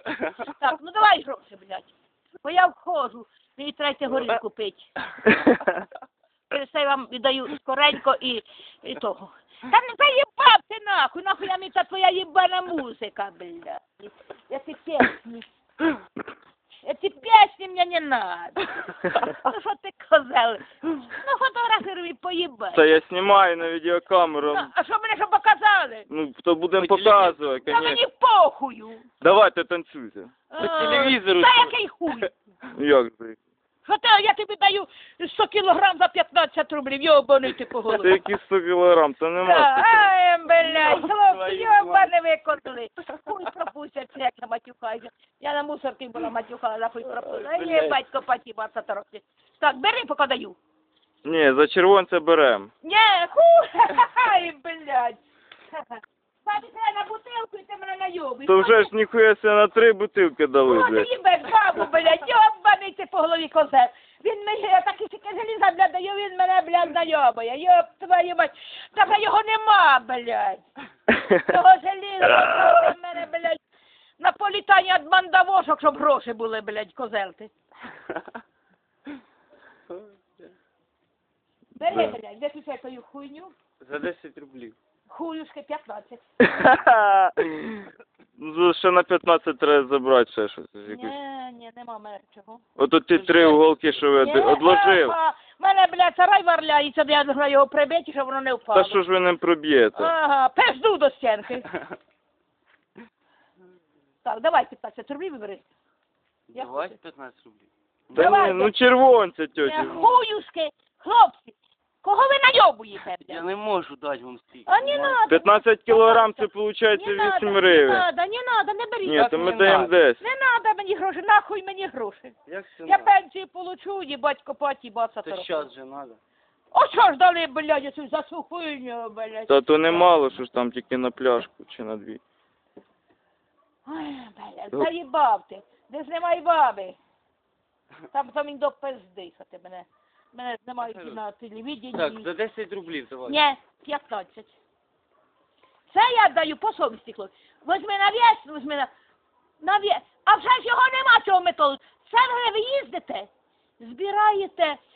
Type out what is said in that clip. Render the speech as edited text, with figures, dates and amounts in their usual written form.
Так, ну давай гроші, блядь. Бо я входжу, мені треба горілку пити. Через це я вам віддаю скоренько і того. Та не заїбав ти нахуй я мені та твоя їбана музика, блядь. Эти песни мне не надо. Ну що ти козел? Ну фотографируй поїбай. Це я знімаю на відеокамеру. Ну, а що мене що показали? Ну, то будемо показувати, Та мені конечно. похую. Давайте танцюйте. По телевізору Та що? який хуй? Як же? Що ти, я тобі даю 100 кілограм за 15 рублів, йобаний ти по Це голові. які 100 кілограм, це нема. Ай, блядь, хлопці, Твою йобане викотили. Хуй пропустять, як я матюхаюся. Я на мусорці була матюхала, за хуй пропустила. Ай, є, батько, патіба, років. Так, бери, поки даю. Ні, за червонце берем. Не, хуй, ай, блядь. Папі, це на бутилку і ти мене найобиш. То вже ж ніхуя себе на 3 бутилки дали, О, ти блядь. їбеш бабу, блядь, йобаний ти по голові козел. Він мені, я такі тільки желіза, блядь, даю, він мене, блядь, знайомує. Йоб твою мать. Та його нема, блядь. Того желіза, в мене, блядь, на політання від мандавошок, щоб гроші були, блядь, козел ти. Бери, блядь, виключай твою хуйню. За 10 рублів. Хуюшки 15. Ну, ще на 15 треба забрати ще щось. Ні, нема мене чого. Ото ті 3 уголки, що ви одложив. Мене, блядь, сарай варляється, я должна його прибити, щоб воно не впало. Та що ж ви не проб'єте? Ага, пизду до стінки. Так, давай 15 рублів вибери. Я Давай хочу. 15 рублів. Та давай, ні, ну червонце, тьоті. Хуюшки, хлопці, кого ви найобуєте, Я блядь? не можу дати вам стільки. А не надо. 15 кілограм, це виходить 8 гривень. Не надо, не беріть. Ні, то ми даємо 10. Не надо мені гроші, нахуй мені гроші. Як це Я надо? пенсію получу, їбать копаті, баца Це щас же надо. О, що ж дали, блядь, цю за цю хуйню, блядь. Та то немало, що ж там тільки на пляшку чи на 2. Ой, блядь, заїбав ти. Не знімай баби. Там він до пизди, що ти мене знімають і на телевіденні. Так, за 10 рублів давай. Ні, 15. Це я даю по совісті, хлопці. Возьми на вес, возьми на вес. А вже ж його нема цього методу. Це ви їздите, збираєте